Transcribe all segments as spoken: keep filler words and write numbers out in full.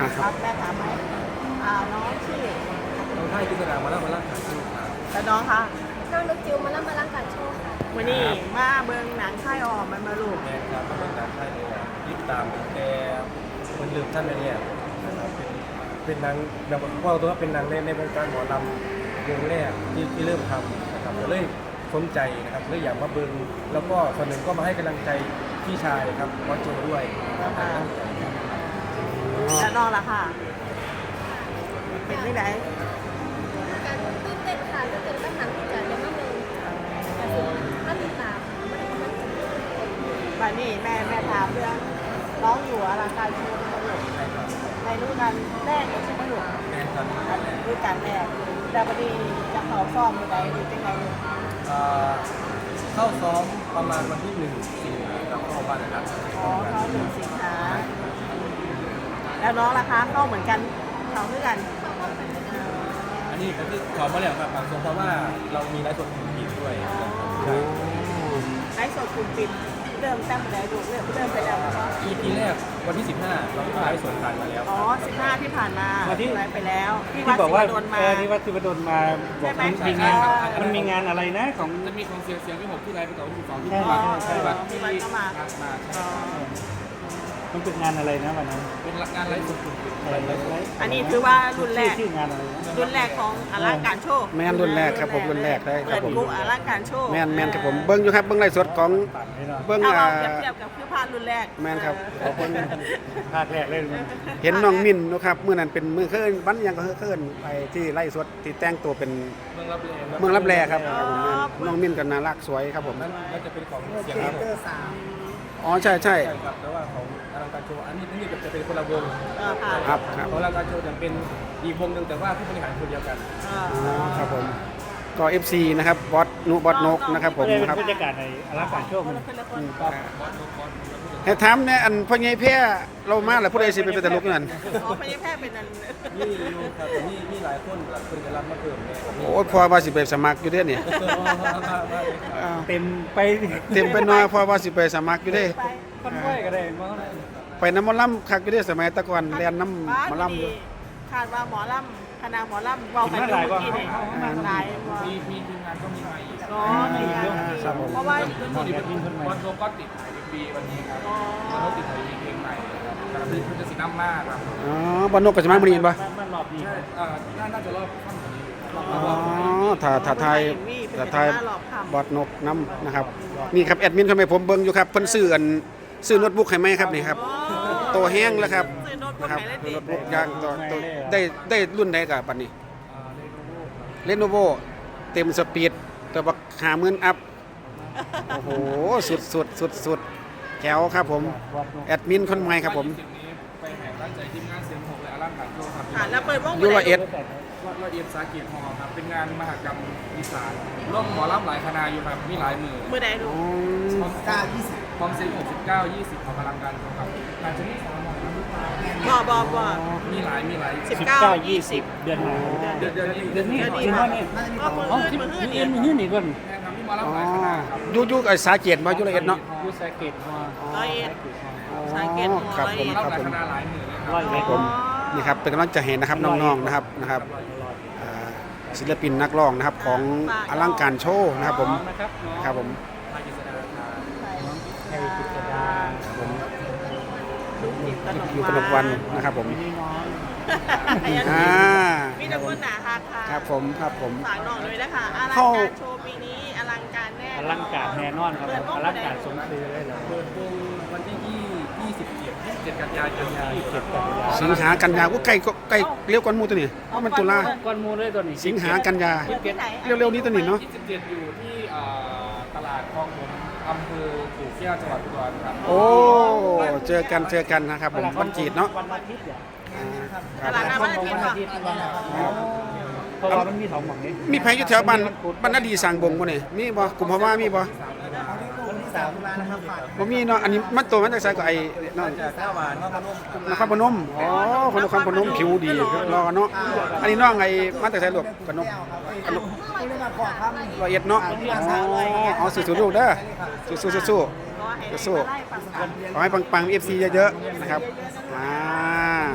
ครับแม่ถามไหมอ่าน้องชื่อน้องไทยกิจการมาแล้วมาแล้วขายชื่อครับแต่น้องคะน้องนุกจิวมาแล้วมาล้างการโชว์ค่ะวันนี้มาเบิงหนังค่ายออมมันมาลูกแม่ครับก็เป็นการไทยเลยยิบตามแต่คนลืมท่านไปเนี่ยนะครับเป็นเป็นนางแบบว่าตัวเป็นนางในในวงการหมอลำวงแรกที่ที่เริ่มทำนะครับเลยสนใจนะครับเลยอยากมาเบิงแล้วก็ส่วนหนึ่งก็มาให้กำลังใจพี่ชายครับวอโจด้วยนะครับตั้งใจครับแล้วน้องล่ะค่ะ เป็นไม่ได้การตื่นเต้นค่ะตื่นเต้นกับหนังที่จะได้มาเมืองแต่คือมาติดตามไม่ได้มาติดตามบัดนี้แม่แม่ถามเรื่องน้องอยู่อลังการโชว์มาลูกใช่ครับในฤดูกาลแรกใช่ไหมลูกแม่ครับฤดูกาลแรกแต่บัดนี้จะเขาซ้อมอยู่ไหนหรือเป็นไงลูกเอ่อเข้าซ้อมประมาณวันที่หนึ่งสิงหาคมเข้าบ้านนะครับอ๋อเขาหนึ่งสิงหาแล้วน้องล่ะคะเข้าเหมือนกันเขาด้วยกันอันนี้ก็คือขอมาแล้วครับบางส่วนเพราะว่าเรามีไลฟ์สดกลุ่มปิดด้วยนะครับใช่ไลฟ์สดคุณปิดเริ่มตั้งแต่ดูเริ่มเริ่มไปแล้วนะคะอี พี แรกวันที่สิบห้าเราก็ไลฟ์สดผ่านมาแล้วอ๋อสิบห้าที่ผ่านมาวันที่ไลฟ์ไปแล้วที่ที่วัดบอกศิว่าวดลมาเออที่วัดศิวดลมาบอกใช่มันไหมมีงานใช่มันมีงานอะไรนะของจะมีของเสียงเสียงที่ผมที่ไลฟ์ไปต่อวันที่สองที่ใช่วัดใช่ที่วัดที่วัดก็มามาอ๋อมันเป็นงานอะไรนะวันนั้นเป็นงานไลฟ์สดกลุ่มปิดอะไรอะไรอะไรอันนี้ถือว่ารุ่นแรชื่อก ชื่องานอะไรนะรุ่นแรกของอลังการโชว์แม่นรุ่นแรกครับผมรุ่นแรกได้คเปิรับดผมกลุ่มอลังการโชว์แม่นแม่นครับผมเบิ้งอยู่ครับเบิ้งไลฟ์สดของปั่นให้เนาะเบิ้งถ้าอ่าเราเปรียบเทียบกับคือผ่านรุ่นแรกแม่นครับเออเบิ้งภาคแรกเลยมันเห็นน้องมินเนาะครับมื้อนั้นเป็นมื้อเคินวันหยังก็เคินไปที่ไลฟ์สดที่แต่งตัวเป็นเมืองรับแลเมืองรับแลครับครับผมน้องมินก็น่ารักสวยครับผมนั่นน่าจะเป็นของเสียงครับผมอ๋อใช่ใช่ใช่ครับแต่ว่าของอลังการโชว์อันนี้นี่จะเป็นคนละวงเออค่ะครับครับของอลังการโชว์จะเป็นอีกวงหนึ่งแต่ว่าผู้บริหารคนเดียวกันเออ๋ออครับผมก็ เอฟ ซี นะครับบอสนุบอสนกนะครับผมก็เลยเป็นครับบรรยากาศในอลังการโชว์มันคนละคนให้ถามเนี่ยอันพ่อใหญ่แพ้เรามาแล้วผู้ใดสิไปเป็นตลกนั่นอ๋อไม่ได้แพทย์เป็นอันนี่อยู่ครับแต่นี่นี่หลายคนหลายคนจะรับมาเพิ่มเนี่ยโอ้ยพอว่าสิไปสมัครอยู่เด้เนี่ย อ้าวเต็มไปเต็มไปหน่อยพอว่าสิไปสมัครอยู่เด้ไปคนไหวก็ได้มั้งไปน้ำหมอลำคักอยู่เด้สมัยแตะก่อนเรียนน้ำหมอลำอยู่คาดว่าหมอลำคณะหมอลำบอกกันอยู่เมื่อกี้นี่หลายบ่มีมีทีมงานก็มีมาอีกอ๋อมีงานมีครับผมเพราะว่าตอนนี้เป็นวันโลก็ติดถ่ายเป็นปีวันนี้ครับอ๋อวันโลติดถ่ายเพลงใหม่ครับกระดิ่งพุทธศิลป์มากครับอ๋อบอนนกกับสมัยมื้อนี้เห็นปะมันรอบนี้ใช่อ่าน่าน่าจะรอบค่ำกว่านี้อ๋อถ้าถ้าทายถ้าทายบอสนกน้ำนะครับนี่ครับแอดมินทำไมผมเบิ่งอยู่ครับเพิ่นซื้ออันซื้อโน้ตบุ๊กให้ไหมครับนี่ครับโตแห้งแล้วครับซื้อโน้ตบุ๊กนะครับไหนได้โน้ติตบุ๊กย่างตัวตัวได้ได้รุ่นใดกับปันนี้ เลโนโวเต็มสปีดตัวบักหาหมื่นอัพ โอ้โห สุดสุดสุดสุดแจ๋วครับผม แอดมินคนใหม่ครับผมสิ่งนี้ไปแห่ตั้งใจทีมงานเสียงหกและอลังการโชว์ครับค่ะแล้วเปิดวงยูละเอ็ดวัดละเอียดสาเกียรติฮอครับเป็นงานมหกรรมอีสานร่วมหมอลำหลายคณะอยู่ครับมีหลายมือมือใดดูความเก้ายี่สิบความเซ็งหกสิบเก้ายี่สิบของอลังการโชว์ครับงานจะมีสามหมอลำหรือเปล่าบ่บ่บ่มีหลายมีหลายสิบสิบเก้าเก้ายี่ยี่สิสิบบเดือนหน้าเดือนเดือนนี้เดือนนี้เดือนนี้จริงว่านี่ก็มืออ๋ออื่นที่มืออื่เอ็นนนี่นี่ก่อนแข่งครับมีหมอลำอ๋อหลายคณะครับยูยูไอ้สาเกียรติมายูละเอ็ดเนาะยูสาเกตฮอร้อยเอ็ดอ๋อสาเกียรติครับผมหมอครับลำหลายผมคณะหลายมือเลยคร้รัอบ ยเอ็ดผมนี่ครับเป็นกำลังใจเห็นนะครับน้องๆนะครับนะครับอ่าศิลปินนักร้องนะครับของอลังการโชว์นะครับผมนะครับน้องครับผมภาคกิจดาครับไทยกิจดาครับผมลูกจิตกอยู่กนนกกวัวัน นนะครับผมพี่น้องอ่ามีแต่คนหนาฮักค่ะครับผมครับผมฝากน้องด้วยนะคะอลังเข้าการโชว์ปีนี้อลังการแน่อลังการแน่นอนครับอลังการสมชื่อเลยเหรอเปิดวงวันที่ยี่ยี่สิบเจ็ดยี่สิบเจ็ดกันยายนครับยี่สิบเจ็ดกันยาสิงหากันยาว่าใกล้ก็ใกล้เร็วกว่าหมูตัวนี้เพราะมันตุลาก้อนมูเลยตัวนี้สิงหากันยาเปิดที่ไหนเร็วๆนี้ตัวนี้เนาะยี่สิบเจ็ดอยู่ที่เอ่อตลาดคลองผมอำเภอกู่แก้วจังหวัดอุดรครับโอ้เจอกันเจอกันนะครับผมวันจีดเนาะวันอาทิตย์เนี่ยอ่าคตรับลาดน้ำวัวัน นอาทิตย์อาเหรอทิตย์เพราะว่ามันมีสองหม่องนี้มีใครอยู่แถวบ้านบ้านนาดีสั่งบงบ่นี่มีบ่กลุ่มพ่อว่ามีบ่คนที่สามร้านนะครับบ่มีเนาะอันนี้มันตัวมันจากไสก็ไอ้นั่นจากแก้วหวานนครพนมนครพนมอ๋อคนนครพนมผิวดีรอเนาะอันนี้น้องไอ้มาจากไสลูกกนกกนกร้อยเอ็ดเนาะอ๋ออ๋อสู้ๆลูกเด้อสู้ๆๆๆก็ให้สู้ไล่ปังขอให้ปังๆ เอฟ ซี เยอะๆนะครับอ่าครับ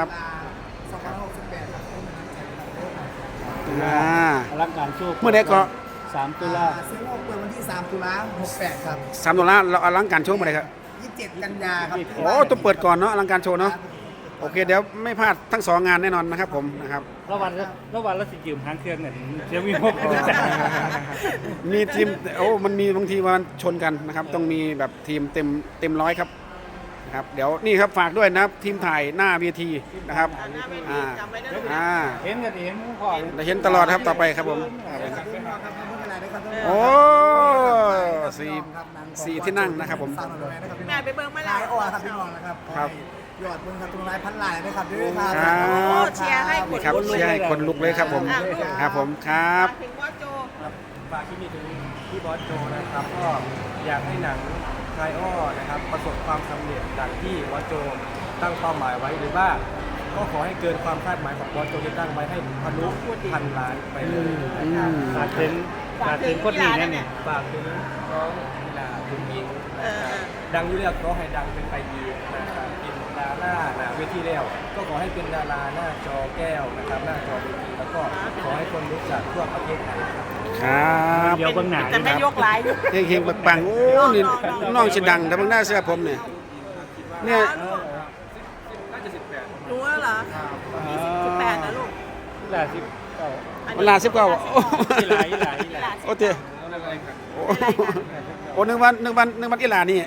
สองพันหกสิบแปดครับอ่าอลังการโชว์เมื่อใดก็สามตุลาซื้อโลกเปิดวันที่สามตุลาหกแปดครับสามดอลลาร์เราอลังการโชว์เมื่อใดครับยี่สิบเจ็ดกันยาครับโอ้ต้องเปิดก่อนเนาะอลังการโชว์เนาะโอเคเดี๋ยวไม่พลาดทั้งสองงานแน่นอนนะครับผมนะครับระวันละระวันละสิยืมหางเครื่องเนี่ยเสียงมีหกคนมีทีมโอ้มันมีบางทีมันชนกันนะครับ ต้องมีแบบทีมเต็มเต็มร้อยครับนะครับเดี๋ยวนี่ครับฝากด้วยนะครับทีมถ่ายหน้าเวทีนะครับหน้าเวทีอ่าจำไว้นะลูกอ่าเห็นกันเห็นพ่อเราเห็นตลอดครับต่อไปครับผมครับผมครับพี่น้องครับไม่เป็นไรนะครับพี่น้โอ้องสี่ครับหนังของสี่ที่นั่งนะครับผมสาวหน่อยนะครับพี่แม่น้องไปเบิ่งมาลาแล้วยอ้อครับพี่น้องนะครับครับยอดเบิ่งครับตรงลายพันลายนะครับด้วยครับครับโอ้เชียร์ให้คนี่นครับลุกเชียร์ให้คนลุกเลยครับผมครับผมครับถึงว่าโจครับฝากที่นี่ถึงพี่บอสโจนะครับ ก็อยากให้หนังไทยอ้อนะครับประสบความสำเร็จดังที่บอสโจตั้งเป้าหมายไว้หรือว่าก็ขอให้เกินความคาดหมายของบอสโจที่ตั้งไว้ให้ทะลุพันล้านไปเลยอืมขาดถึงขาดถึงคนนี้แน่เนี่ยฝากถึงน้องกีฬาคุณยิงเอนะครับอดังอยู่แล้วก็ให้ดังเป็นไปยีกนะครับเป็นดาราหน้าเวทีแล้วก็ขอให้เป็นดาราหน้าจอแก้วนะครับหน้าจอเวทีแล้วก็ขอให้คนรู้จักทั่วประเทศไทยครับครับเดี๋ยวเบิ่งหน้าแต่ไม่ยกหลายอยู่เฮงเฮงๆปังๆโอ้นี่น้องชิดังแต่เพิ่งได้เสื้อผมเนี่ยเนี่ยน่าจะสิบแปดรู้แล้วเหรอยี่สิบสิบแปดนะลูกเวลาสิบเก้าเวลาสิบเก้าโอ้อีหลายอีหลายอีหลายโอเคโอ้โอ้หนึ่งวันหนึ่งวันหนึ่งวันอีหลานี่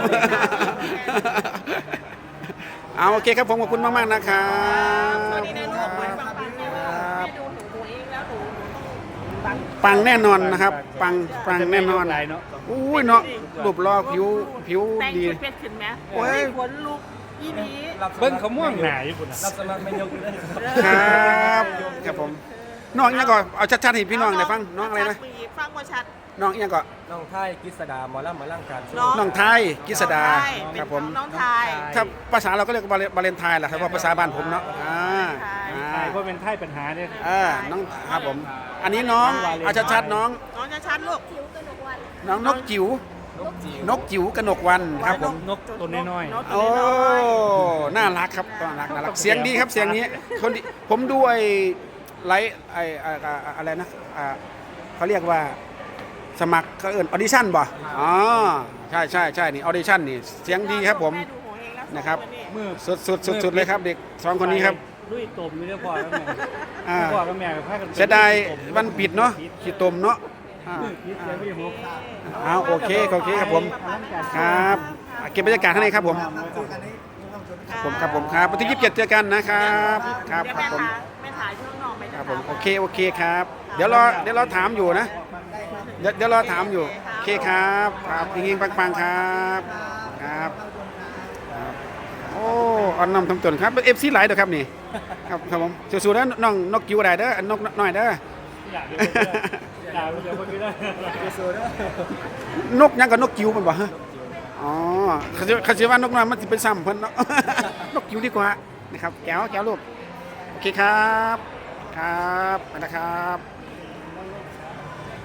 เอาโอเคครับผมขอบคุณมากๆนะครับสวัสดีนะลูกเหมือนปังปังแม่ว่าแม่ดูหนูตัวเองแล้วหนูต้องปังปังแน่นอนนะครับ ปังปังแน่นอนหลายเนาะอุ้ยเนาะรูปรอผิวผิวแต่งดีชุดเพชรขึ้นไหมโอ้ยขนลุกยี่นี้เบิ้งเขาม่วงหนาอยู่ปุ่นรับสมัครไม่ยกเลยครับครับผมน้องอีกอย่างก่อนเอาชัดๆให้พี่น้องได้ฟังน้องอะไรนะฟังว่าชัดน้องอีกอย่างก่อนน้องไทยกฤษดาหมอลำหมาล่างการช่วยน้องน้องไทยกฤษดาน้องไทยครับผมน้องไทยถ้าภาษาเราก็เรียกว่าบาเลนไทน์แหละครับว่าภาษาบ้านผมเนาะอ่าใช่อ่าเพราะเป็นไท่ปัญหาเนี่ยเออน้องครับผม อันนี้น้องเอาชัดๆน้องน้องจะชัดลูกคิ้วกระดกวันน้องนกจิ๋วนกจิ๋วนกจิ๋วกนกวันครับผมนกตัวน้อยนกโอ้ตัวน้อยน่ารักครับน่ารักน่ารักเสียงดีครับเสียงนี้คนดีผมดูไอ้ไลฟ์ไอ้ไอ้ไอ้อะไรนะอ่าเขาเรียกว่าสมัครเขาเอิ้นออดิชั่นบ่อ๋อใช่ใช่ใช่นี่ออดิชั่นนี่เสียงดีครับผมแดูหัวเองแล้วนะครับๆมือสุดสุดสุดสุดเลยครับเด็กสองคนนี้ครับลุยตมไม่ได้พอแล้วแม่อ่าพ่อกับแม่กับพากันเสียดายวันปิดเนาะขีดตมเนาะอ่าคิดเสียไม่หกเอาโอเคโอเคครับผมครับอ่ะเก็บบรรยากาศข้างในครับผมครับเจอกันนี้ต้องชมครับผมครับผมครับวันที่ยี่สิบเจ็ดเจอกันนะครับครับเดี๋ยวครับผมแม่ถ่ายแม่ถ่ายช่วงนอกไปครับผมโอเคโอเคครับ เดี๋ยวรอเดี๋ยวรอถามอยู่นะเดี๋ยวเดี๋ยวรอถามอยู่โอเคครับครับยิงยิงปังๆครับครับครับโอ้อ่อนน้อมทำตนครับเอฟซีหลายเด้อครับนี่ครับครับผมสู้ๆนะน้องนกจิ๋วได้เด้ออันนกน้อยเด้ออยากอยากเดี๋ยวคนนี้ได้นกยังกับนกจิ๋วมันบ่ฮะอ๋อเขาจะเขาจะว่านกน้อยมันจะเป็นซ้ำเพิ่นเนาะ นกจิ๋วดีกว่านะครับแก้วแก้วลูกโอเคครับครับไปนะครับ